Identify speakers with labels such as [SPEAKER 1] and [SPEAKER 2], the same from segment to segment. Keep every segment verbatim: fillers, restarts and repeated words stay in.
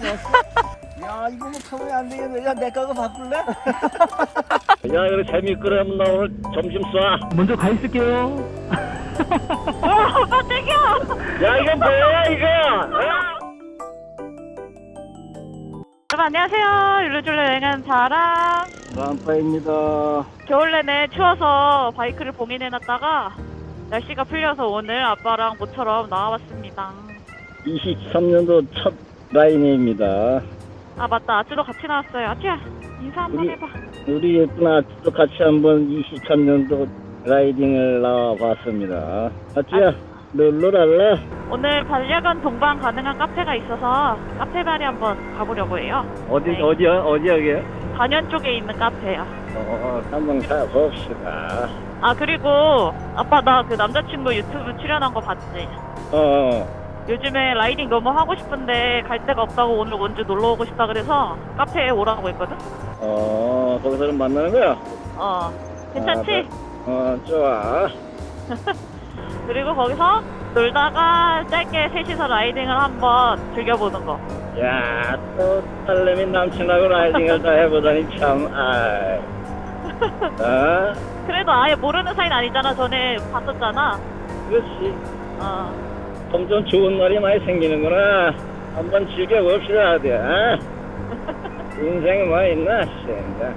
[SPEAKER 1] 야 이거 뭐 타면 안 되겠네. 야 내 거가 바꿀래?
[SPEAKER 2] 야 이거 재미있거든. 나 오늘 점심 쏴.
[SPEAKER 3] 먼저 가 있을게요.
[SPEAKER 4] 오빠 땡겨!
[SPEAKER 2] 야 이건 뭐야 이거? 어?
[SPEAKER 4] 여러분 안녕하세요. 율루줄루 여행하는 자랑.
[SPEAKER 2] 람파입니다.
[SPEAKER 4] 겨울 내내 추워서 바이크를 봉인해놨다가 날씨가 풀려서 오늘 아빠랑 모처럼 나와봤습니다.
[SPEAKER 2] 이십삼 년도 첫 라이네입니다.
[SPEAKER 4] 아 맞다, 아츠도 같이 나왔어요. 아츠야 인사 한번
[SPEAKER 2] 우리-
[SPEAKER 4] 해봐.
[SPEAKER 2] 우리 예쁜 아츠도 같이 한번 이십삼 년도 라이딩을 나와봤습니다. 아츠야 룰루랄라.
[SPEAKER 4] 오늘 반려견 동반 가능한 카페가 있어서 카페발이 한번 가보려고 해요.
[SPEAKER 2] 어디
[SPEAKER 4] 네.
[SPEAKER 2] 어디야 어디 여기야?
[SPEAKER 4] 단연 쪽에 있는 카페요.
[SPEAKER 2] 어 한번 가봅시다.
[SPEAKER 4] 아 그리고 아빠 나 그 남자친구 유튜브 출연한 거 봤지?
[SPEAKER 2] 어.
[SPEAKER 4] 요즘에 라이딩 너무 하고 싶은데 갈 데가 없다고 오늘 원주 놀러 오고 싶다 그래서 카페에 오라고 했거든?
[SPEAKER 2] 어 거기서는 만나는 거야?
[SPEAKER 4] 어 괜찮지?
[SPEAKER 2] 어 좋아.
[SPEAKER 4] 그리고 거기서 놀다가 짧게 셋이서 라이딩을 한번 즐겨보는 거.
[SPEAKER 2] 야, 또 딸내미 남친하고 라이딩을 다 해보다니 참, 아이. 어?
[SPEAKER 4] 그래도 아예 모르는 사이는 아니잖아. 전에 봤었잖아.
[SPEAKER 2] 그렇지.
[SPEAKER 4] 어.
[SPEAKER 2] 점점 좋은 날이 많이 생기는구나. 한번 즐겨봅시다, 어디, 어? 인생에 뭐 있나, 진짜.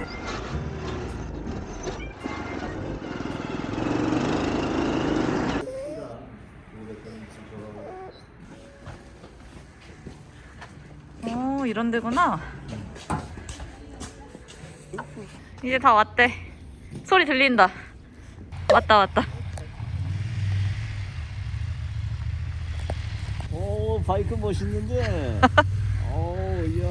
[SPEAKER 4] 오, 이런 데구나. 이제 다 왔대. 소리 들린다. 왔다, 왔다.
[SPEAKER 1] 오 바이크 멋있는데. 오 야.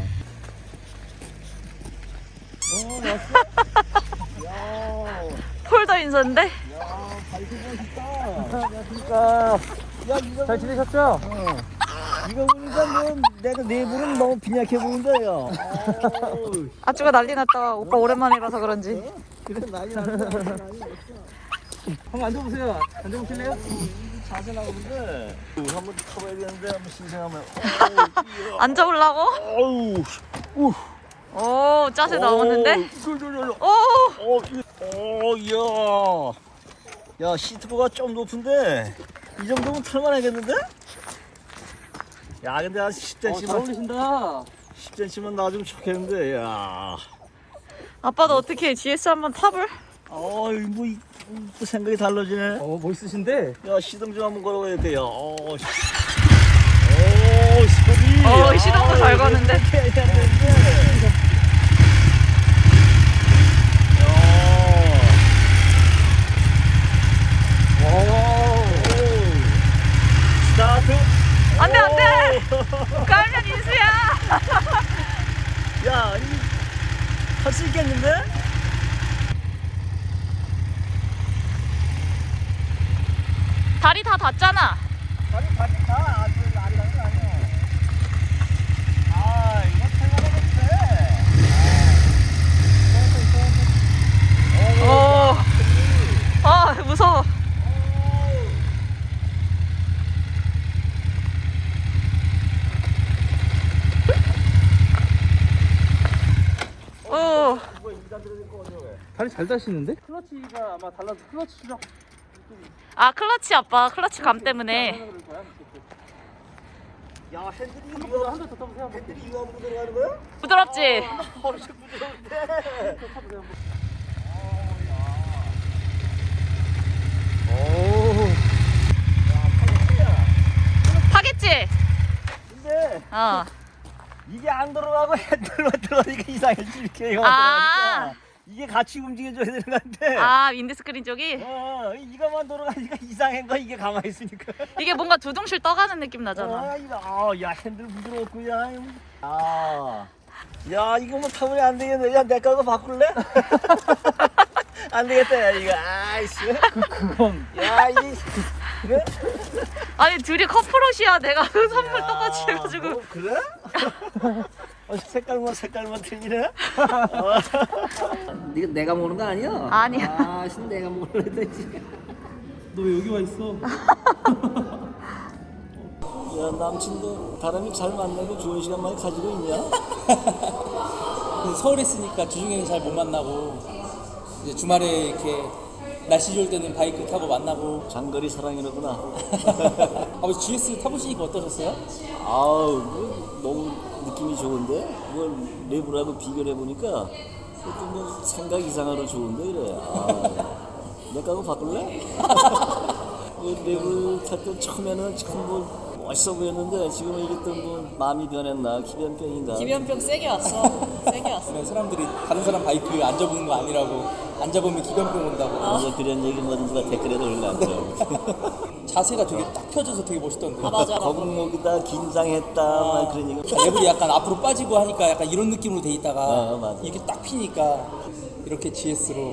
[SPEAKER 1] 어 왔어? 야.
[SPEAKER 4] 폴더 인서인데?
[SPEAKER 1] 야 바이크 멋있다. 안녕하십니까. 야 이거
[SPEAKER 3] 잘 지내셨죠?
[SPEAKER 1] 어. 이거 보니까 뭐 내가 내부는 너무 빈약해 보인다요. 어우,
[SPEAKER 4] 아쭈가 난리 났다. 오빠 오랜만에 봐서 그런지.
[SPEAKER 1] 그래 난리 났어. 난리 났어.
[SPEAKER 3] 한번 앉아보세요. 앉아보실래요?
[SPEAKER 1] 자세 나오는데 한번 타봐야 되는데 한번 신생하면.
[SPEAKER 4] 앉아보려고?
[SPEAKER 1] 어우, 우,
[SPEAKER 4] 오, 짜세 나오는데? 오!
[SPEAKER 1] 어, 어, 야, 야 시트보가 좀 높은데 이 정도면 탈만하겠는데? 야, 근데 한 십
[SPEAKER 3] 어, 잘
[SPEAKER 1] 센치만
[SPEAKER 3] 어울리신다.
[SPEAKER 1] 십 센치만 놔주면 좋겠는데, 야.
[SPEAKER 4] 아빠도 어떻게 지에스 한번 타볼?
[SPEAKER 1] 어, 뭐, 이- 또 생각이 달라지네.
[SPEAKER 3] 어, 멋있으신데?
[SPEAKER 1] 야, 시동 좀 한번 걸어봐야 돼요. 어, 시- 오, 소리.
[SPEAKER 4] 어, 시동도 잘 거는데.
[SPEAKER 1] 이렇게 해야 되는데. 야. 오. 스타트.
[SPEAKER 4] 안 돼, 안 돼!
[SPEAKER 1] 오.
[SPEAKER 4] 깔면 인수야!
[SPEAKER 1] 야, 할 수 있겠는데?
[SPEAKER 4] 다리 다 닿잖아.
[SPEAKER 1] 다리 다리 다 아주 아리랑이 아니야. 아, 이거 탈만하겠대.
[SPEAKER 4] 오. 아, 무서워. 오.
[SPEAKER 3] 다리 잘 다시는데? 클러치가 아마 달라서 클러치 수정.
[SPEAKER 4] 아, 클러치 아빠. 클러치 감 때문에.
[SPEAKER 1] 야, 핸들이
[SPEAKER 3] 한대
[SPEAKER 1] 이거
[SPEAKER 3] 더 타보세요.
[SPEAKER 1] 핸들이 이거 하고 들어가는 거야?
[SPEAKER 4] 부드럽지?
[SPEAKER 1] 엄청 부드러운데.
[SPEAKER 3] 오.
[SPEAKER 4] 타겠지?
[SPEAKER 1] 근데
[SPEAKER 4] 어.
[SPEAKER 1] 이게 안 들어가고 핸들만 들어가니까 이상해지 이렇게 이거
[SPEAKER 4] 아.
[SPEAKER 1] 들어가니까 이게 같이 움직여줘야 되는 건데.
[SPEAKER 4] 아, 윈드스크린 쪽이?
[SPEAKER 1] 어, 이거만 돌아가니까 이상한 거 이게 가만히 있으니까.
[SPEAKER 4] 이게 뭔가 두둥실 떠가는 느낌 나잖아.
[SPEAKER 1] 아, 이거, 아, 야 핸들 부드럽고 야. 아, 야 이거 뭐 타면 안 되겠네. 야 내 거가 바꿀래? 안 되겠다 야 이거. 아이씨.
[SPEAKER 3] 그, 그건.
[SPEAKER 1] 야 이. 그래?
[SPEAKER 4] 아니, 둘이 커플옷이야. 내가 그 선물
[SPEAKER 1] 야,
[SPEAKER 4] 똑같이 해가지고.
[SPEAKER 1] 뭐, 그래? 어, 색깔만 색깔만 틀리네. 어. 네가 내가 먹는 거 아니야?
[SPEAKER 4] 아니야.
[SPEAKER 1] 아, 신 내가 먹으려 했지.
[SPEAKER 3] 너 왜 여기 와 있어?
[SPEAKER 1] 야, 남친도 다람이 잘 만나고 좋은 시간 많이 가지고 있냐?
[SPEAKER 3] 서울에 있으니까 주중에는 잘 못 만나고 이제 주말에 이렇게 날씨 좋을 때는 바이크 타고 만나고.
[SPEAKER 1] 장거리 사랑이로구나.
[SPEAKER 3] 아버지 지에스 타보시니까 어떠셨어요?
[SPEAKER 1] 아우, 뭐, 너무 느낌이 좋은데? 뭘 레브라고 비교를 해보니까 조금 뭐 생각 이상으로 좋은데 그래. 아, 내 거하고 바꿀래? 그 레브를 탈 때 처음에는 참 뭐 멋있어 보였는데 지금은 이게 또 뭐 마음이 변했나 기변병인가.
[SPEAKER 5] 기변병 세게 왔어. 세게 왔어.
[SPEAKER 3] 그냥 사람들이 다른 사람 바이크 안 잡는 거 아니라고, 안 잡으면 기변병 온다고.
[SPEAKER 1] 이제 그런 얘기 뭐 누가 댓글에도 올라왔죠.
[SPEAKER 3] 자세가 되게 딱 펴져서 되게 멋있던데.
[SPEAKER 5] 아 맞아.
[SPEAKER 1] 거북목이다 긴장했다 막 그런 얘기.
[SPEAKER 3] 레벨이 약간 앞으로 빠지고 하니까 약간 이런 느낌으로 돼 있다가
[SPEAKER 1] 어, 맞아.
[SPEAKER 3] 이게 딱 피니까 이렇게 지에스로.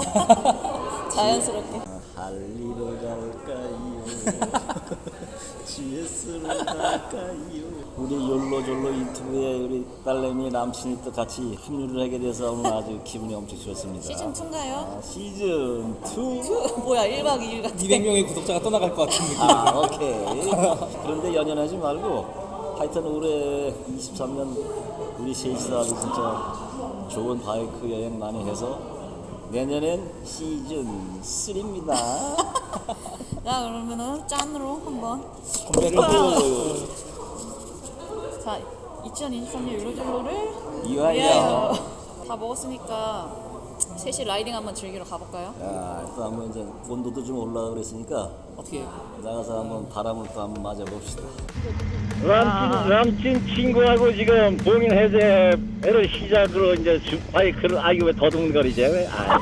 [SPEAKER 5] 자연스럽게.
[SPEAKER 1] 할리로 갈까요? 지에스로 갈까요? 우리 욜로졸로 유튜브에 우리 딸내미 남친이 또 같이 합류를 하게 돼서 오늘 아주 기분이 엄청 좋습니다.
[SPEAKER 5] 시즌 이인가요?
[SPEAKER 1] 아, 시즌 이.
[SPEAKER 5] 뭐야 일 박 이 일 같아.
[SPEAKER 3] 이백 명의 구독자가 떠나갈 것 같은 느낌.
[SPEAKER 1] 아, 오케이. 그런데 연연하지 말고 하여튼 올해 이십삼 년 우리 셋이서 아주 진짜 좋은 바이크 여행 많이 해서 내년엔 시즌 삼입니다.
[SPEAKER 5] 자 그러면은 짠으로 한번.
[SPEAKER 3] 건배를 하고.
[SPEAKER 5] 자 이천이십삼 년 율로졸로를
[SPEAKER 1] 이와이야.
[SPEAKER 5] 다 먹었으니까 셋이 라이딩 한번 즐기러 가볼까요?
[SPEAKER 1] 야, 또 한번 이제 온도도 좀 올라가 그랬으니까
[SPEAKER 3] 어떻게
[SPEAKER 1] 나가서 한번 바람을 또 한번 맞아 봅시다.
[SPEAKER 2] 남친, 남친 친구하고 지금 봉인 해제를 시작으로 이제 주- 바이크를 아유 왜 더듬거리지 왜? 아이.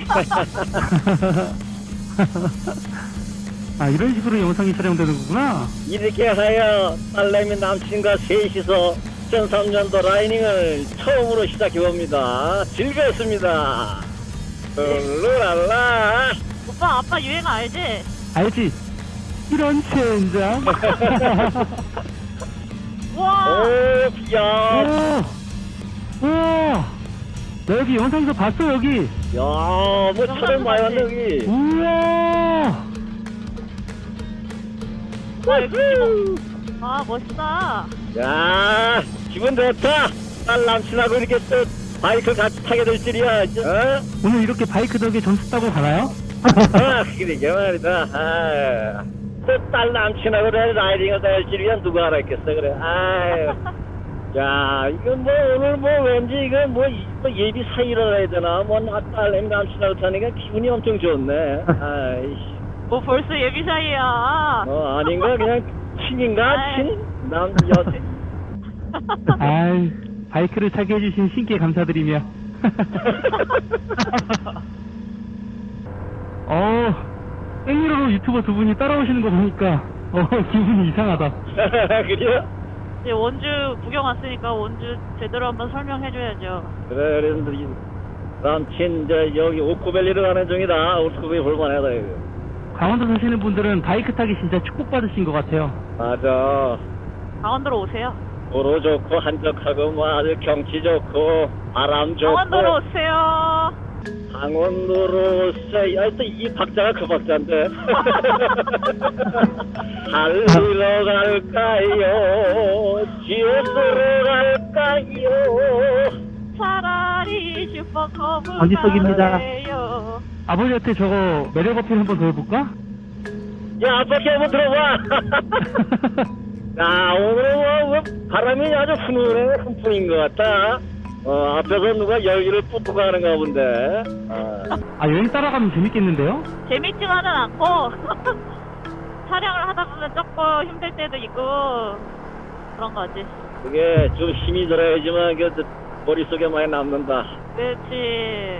[SPEAKER 6] 아 이런 식으로 영상이 촬영되는 거구나.
[SPEAKER 2] 이렇게 하여 딸내미 남친과 셋이서 이천삼 년도 라이닝을 처음으로 시작해봅니다. 즐거웠습니다. 룰랄라.
[SPEAKER 4] 오빠 아빠 유행 알지?
[SPEAKER 6] 알지? 이런 젠장.
[SPEAKER 4] 와
[SPEAKER 2] 오, 야,
[SPEAKER 6] 오, 오, 나 여기 영상에서 봤어 여기.
[SPEAKER 2] 야, 뭐 촬영 많이 왔네 여기.
[SPEAKER 6] 우와.
[SPEAKER 4] 와 여기 뭐- 아 멋있다.
[SPEAKER 2] 야, 기분 좋다. 딸 남친하고 이렇게 또 바이크 같이 타게 될 줄이야. 어?
[SPEAKER 6] 오늘 이렇게 바이크 덕에 점수 따고 가나요?
[SPEAKER 2] 아, 그러게 말이다. 아, 또딸 남친하고 라이딩을 할 줄이야 누가 알았겠어 그래. 아유. 야, 이건 뭐 오늘 뭐 왠지 이건 뭐, 이- 뭐 예비 사이라 해야 되나? 뭐 딸내미 남친하고 타니까 기분이 엄청 좋네. 아이씨.
[SPEAKER 4] 뭐 벌써 예비 사이야.
[SPEAKER 2] 어, 아닌가? 그냥 친인가?
[SPEAKER 4] 아이.
[SPEAKER 2] 친? 남, 여,
[SPEAKER 6] 아이 바이크를 타게 해주신 신께 감사드리며. 어, 생리로 유튜버 두 분이 따라오시는 거 보니까 어 기분이 이상하다.
[SPEAKER 2] 그래요?
[SPEAKER 4] 이제 원주 구경 왔으니까 원주 제대로 한번 설명해줘야죠.
[SPEAKER 2] 그래, 그래서 이 남친, 이제 여기 오크밸리로 가는 중이다. 오크밸리 볼만하다, 이거.
[SPEAKER 6] 강원도 사시는 분들은 바이크 타기 진짜 축복받으신 것 같아요.
[SPEAKER 2] 맞아.
[SPEAKER 4] 강원도로 오세요.
[SPEAKER 2] 도로 좋고, 한적하고, 뭐 아주 경치 좋고, 바람 좋고.
[SPEAKER 4] 강원도로 오세요.
[SPEAKER 2] 강원도로 오세요. 아, 또 이 박자가 그 박자인데. 달리러 갈까요? 지옥으로 갈까요?
[SPEAKER 4] 차라리 슈퍼커브
[SPEAKER 6] 언지석입니다.
[SPEAKER 4] 가래요.
[SPEAKER 6] 아버지한테 저거 매력 어필 한번 더 해볼까?
[SPEAKER 2] 야, 아빠께 한번 들어봐. 야, 오늘 뭐, 뭐 바람이 아주 훈훈해, 훈풍인 것 같다. 어, 앞에서 누가 열기를 뿜뿌 하는가 본데. 아.
[SPEAKER 6] 아 여행 따라가면 재밌겠는데요?
[SPEAKER 4] 재밌지만은 않고 촬영을 하다 보면 조금 힘들 때도 있고 그런 거지.
[SPEAKER 2] 그게 좀 힘이 들어야지만 그 머릿속에 많이 남는다.
[SPEAKER 4] 그렇지.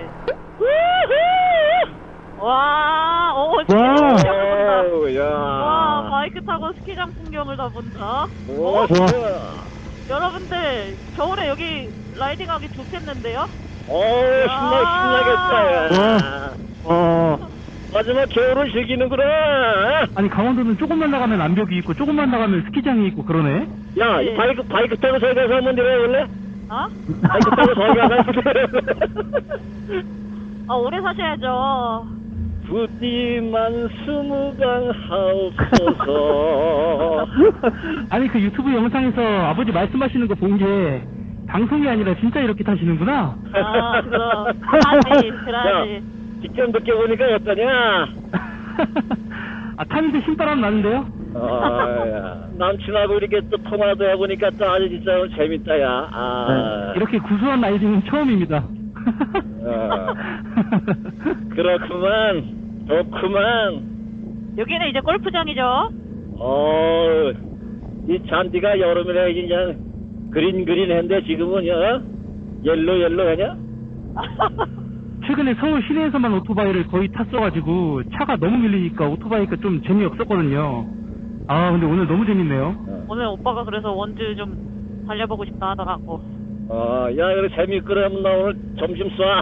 [SPEAKER 4] 와, 오, 진짜
[SPEAKER 6] 와.
[SPEAKER 4] 풍경을 본다.
[SPEAKER 2] 어우, 야.
[SPEAKER 4] 와, 바이크 타고 스키장 풍경을 다 본다.
[SPEAKER 2] 오,
[SPEAKER 6] 와.
[SPEAKER 2] 진짜.
[SPEAKER 4] 여러분들 겨울에 여기 라이딩하기 좋겠는데요?
[SPEAKER 2] 어우, 신나, 신나겠다.
[SPEAKER 6] 어,
[SPEAKER 2] 마지막 겨울을 즐기는구나.
[SPEAKER 6] 아니 강원도는 조금만 나가면 암벽이 있고 조금만 나가면 스키장이 있고 그러네.
[SPEAKER 2] 야, 이 바이크, 바이크 타고 저기 가서 한번 내려볼래?
[SPEAKER 4] 어?
[SPEAKER 2] 바이크 타고 저기 가서
[SPEAKER 4] 아, 오래 사셔야죠.
[SPEAKER 2] 부디만 스무강 하옵소서.
[SPEAKER 6] 아니 그 유튜브 영상에서 아버지 말씀하시는 거 본 게 방송이 아니라 진짜 이렇게 타시는구나.
[SPEAKER 4] 아, 그럼. 그러지, 그러지.
[SPEAKER 2] 직접 느껴보니까 어떠냐?
[SPEAKER 6] 아 타는데 신바람 나는데요?
[SPEAKER 2] 아, 야. 남친하고 이렇게 또 통화도 해보니까 또 아주 진짜 재밌다, 야. 아.
[SPEAKER 6] 이렇게 구수한 라이딩은 처음입니다.
[SPEAKER 2] 어. 그렇구만. 좋구만.
[SPEAKER 4] 여기는 이제 골프장이죠?
[SPEAKER 2] 어, 이 잔디가 여름이라 이제 그린 그린한데 지금은 어? 옐로 옐로하냐?
[SPEAKER 6] 최근에 서울 시내에서만 오토바이를 거의 탔어가지고 차가 너무 밀리니까 오토바이가 좀 재미없었거든요. 아 근데 오늘 너무 재밌네요.
[SPEAKER 4] 오늘 오빠가 그래서 원주 좀 달려보고 싶다 하더라고.
[SPEAKER 2] 어, 야, 그래 재밌거라면 나 오늘 점심 쏴.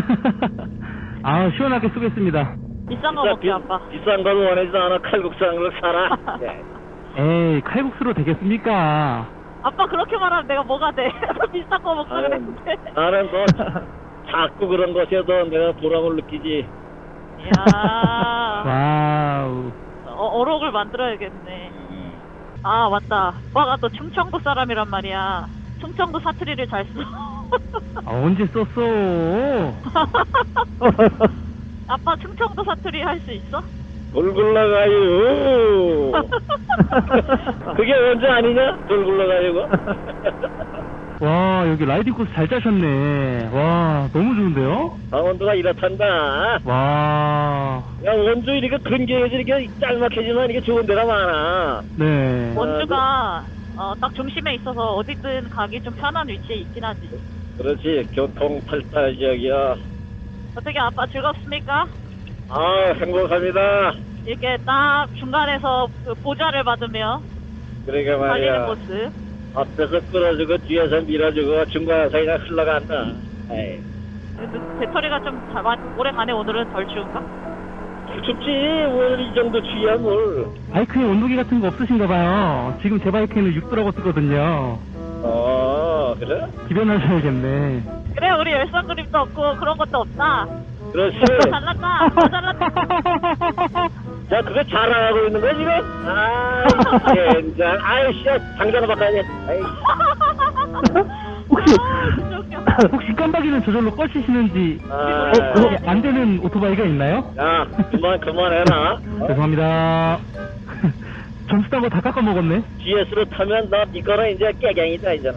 [SPEAKER 6] 아 시원하게 쏘겠습니다.
[SPEAKER 4] 비싼 거
[SPEAKER 2] 야,
[SPEAKER 4] 먹자, 아빠.
[SPEAKER 2] 비싼 걸 원하지도 않아. 칼국수 한 그릇 사라. 예.
[SPEAKER 6] 에이 칼국수로 되겠습니까?
[SPEAKER 4] 아빠 그렇게 말하면 내가 뭐가 돼? 비싼 거 먹자
[SPEAKER 2] 아유,
[SPEAKER 4] 그랬는데.
[SPEAKER 2] 나는 뭐 자꾸 그런 것에도 내가 보람을 느끼지.
[SPEAKER 4] 이야.
[SPEAKER 6] 와우.
[SPEAKER 4] 어, 어록을 만들어야겠네. 아, 맞다. 오빠가 또 충청도 사람이란 말이야. 충청도 사투리를 잘 써.
[SPEAKER 6] 아, 언제 썼어?
[SPEAKER 4] 아빠 충청도 사투리 할 수 있어?
[SPEAKER 2] 돌 굴러가요. 그게 언제 아니냐? 돌 굴러가요.
[SPEAKER 6] 와 여기 라이딩 코스 잘 짜셨네. 와 너무 좋은데요?
[SPEAKER 2] 강원도가 이렇단다.
[SPEAKER 6] 와.
[SPEAKER 2] 야, 원주 이렇게 근교에서 이렇게 짤막해지만 이게 좋은 데가 많아.
[SPEAKER 6] 네.
[SPEAKER 4] 원주가 어, 딱 중심에 있어서 어디든 가기 좀 편한 위치에 있긴 하지.
[SPEAKER 2] 그렇지, 교통 발달 지역이야.
[SPEAKER 4] 어떻게 아빠 즐겁습니까?
[SPEAKER 2] 아, 행복합니다.
[SPEAKER 4] 이렇게 딱 중간에서 그 보좌를 받으며
[SPEAKER 2] 그러니까
[SPEAKER 4] 달리는
[SPEAKER 2] 말이야.
[SPEAKER 4] 모습.
[SPEAKER 2] 앞에서 끌어주고 뒤에서 밀어주고 중간에서 그냥 흘러간다. 에이.
[SPEAKER 4] 배터리가 좀 다- 마- 오래 가네. 오늘은 덜 추운가?
[SPEAKER 2] 춥지. 오늘 이 정도 추위야 뭘.
[SPEAKER 6] 바이크에 온도계 같은 거 없으신가 봐요. 지금 제 바이크에는 육 도라고 쓰거든요.
[SPEAKER 2] 어, 그래?
[SPEAKER 6] 기변하셔야겠네.
[SPEAKER 4] 그래, 우리 열선 그립도 없고 그런 것도 없다.
[SPEAKER 2] 그렇지.
[SPEAKER 4] 잘났다. 더 잘났다.
[SPEAKER 2] 자, 그거 자랑하고 있는 거야, 지금? 아이, 젠장. 아이씨, 당장 바꿔야지. 아이.
[SPEAKER 6] 혹시
[SPEAKER 4] 아, 진짜 웃겨.
[SPEAKER 6] 혹시 깜빡이는 저절로 꺼지시는지
[SPEAKER 2] 아,
[SPEAKER 6] 어, 그거 안 되는 오토바이가 있나요?
[SPEAKER 2] 야, 그만, 그만해라. 어?
[SPEAKER 6] 죄송합니다. 점수 딴 거 다 깎아 먹었네.
[SPEAKER 2] 지에스로 타면 너 이거는 이제 깨갱이다, 이제는.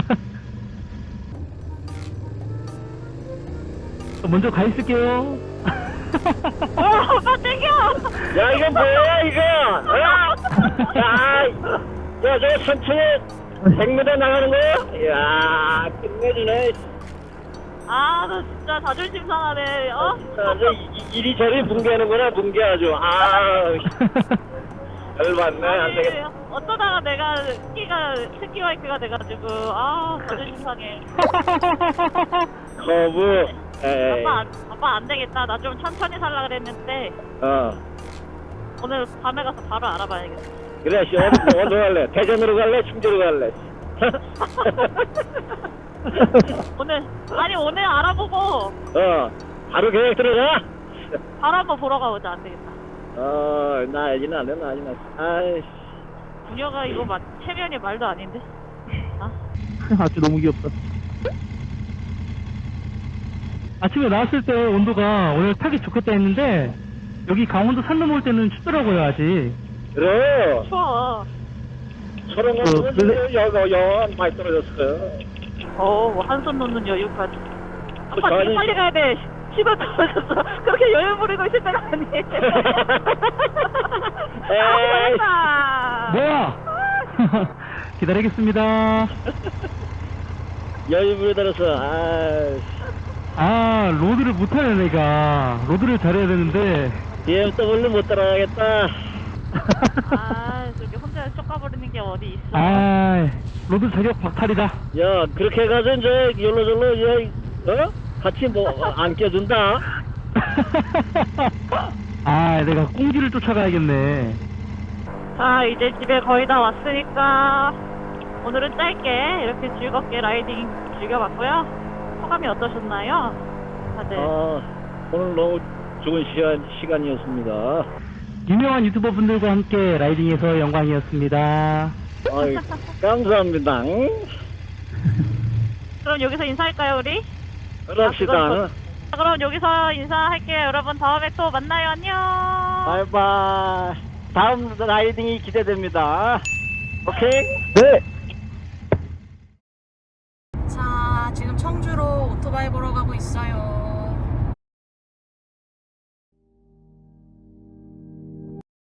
[SPEAKER 6] 먼저 가 있을게요.
[SPEAKER 4] 어, 오빠 땡겨.
[SPEAKER 2] 야, 이거 뭐야, 이거? 어? 야, 야, 저거 천천히 백 미터 나가는 거야? 이야, 끝내주네.
[SPEAKER 4] 아, 너 진짜 자존심 상하네. 어?
[SPEAKER 2] 자, 저 이- 이리저리 붕괴하는구나, 붕괴 아주. 아, 열받네, 안 되겠다.
[SPEAKER 4] 아니, 어쩌다가 내가 스키가 스키 바이크가 돼가지고 아 자존심 상해.
[SPEAKER 2] 거부. 에이.
[SPEAKER 4] 아빠 안, 아빠 안 되겠다. 나 좀 천천히 살라 그랬는데
[SPEAKER 2] 어.
[SPEAKER 4] 오늘 밤에 가서 바로 알아봐야겠다.
[SPEAKER 2] 그래, 씨, 어디, 어디 갈래? 대전으로 갈래? 충주로 갈래?
[SPEAKER 4] 오늘 아니 오늘 알아보고
[SPEAKER 2] 어, 바로 계획 들어가?
[SPEAKER 4] 바로 한번 보러 가보자. 안 되겠다.
[SPEAKER 2] 어, 나야지, 나는, 나야지, 나. 아이씨.
[SPEAKER 4] 부녀가 이거 막 체면이 말도 아닌데. 아?
[SPEAKER 6] 아주 너무 귀엽다. 아침에 나왔을 때 온도가 오늘 타기 좋겠다 했는데 여기 강원도 산 넘어올 때는 춥더라고요 아직.
[SPEAKER 2] 그래.
[SPEAKER 4] 추워.
[SPEAKER 2] 저런 거
[SPEAKER 6] 어,
[SPEAKER 2] 보면
[SPEAKER 6] 근데-
[SPEAKER 2] 여, 여, 여, 많이 떨어졌어요.
[SPEAKER 4] 어, 뭐 한손 놓는 여유까지. 아빠
[SPEAKER 2] 저
[SPEAKER 4] 되게
[SPEAKER 2] 아니-
[SPEAKER 4] 빨리 가야 돼. 시간 떨어졌어. 그렇게 여유 부리고 있을 때는 아니에요.
[SPEAKER 2] 에이.
[SPEAKER 4] 아,
[SPEAKER 6] 뭐야? 기다리겠습니다.
[SPEAKER 2] 여유 부려들어서, 아이씨.
[SPEAKER 6] 아 로드를 못하네 내가. 로드를 잘해야 되는데.
[SPEAKER 2] 비엠더블유 못 따라가겠다.
[SPEAKER 4] 아, 저기 혼자 쫓아버리는 게 어디 있어.
[SPEAKER 6] 아 로드 자격 박탈이다.
[SPEAKER 2] 야, 그렇게 가서 이제, 열로절로, 이제, 어? 같이 뭐, 안 껴준다?
[SPEAKER 6] 아 내가 꽁지를 쫓아가야겠네.
[SPEAKER 4] 자, 이제 집에 거의 다 왔으니까 오늘은 짧게 이렇게 즐겁게 라이딩 즐겨봤고요. 소감이 어떠셨나요? 다들.
[SPEAKER 2] 아, 오늘 너무 좋은 시간, 시간이었습니다.
[SPEAKER 6] 유명한 유튜버 분들과 함께 라이딩해서 영광이었습니다.
[SPEAKER 2] 아이, 감사합니다.
[SPEAKER 4] 그럼 여기서 인사할까요, 우리?
[SPEAKER 2] 그럽시다.
[SPEAKER 4] 아, 자, 그럼 여기서 인사할게요. 여러분 다음에 또 만나요. 안녕.
[SPEAKER 2] 바이바이. 다음 라이딩이 기대됩니다. 오케이? 네.
[SPEAKER 5] 자, 지금 청주로 오토바이 보러 가고 있어요.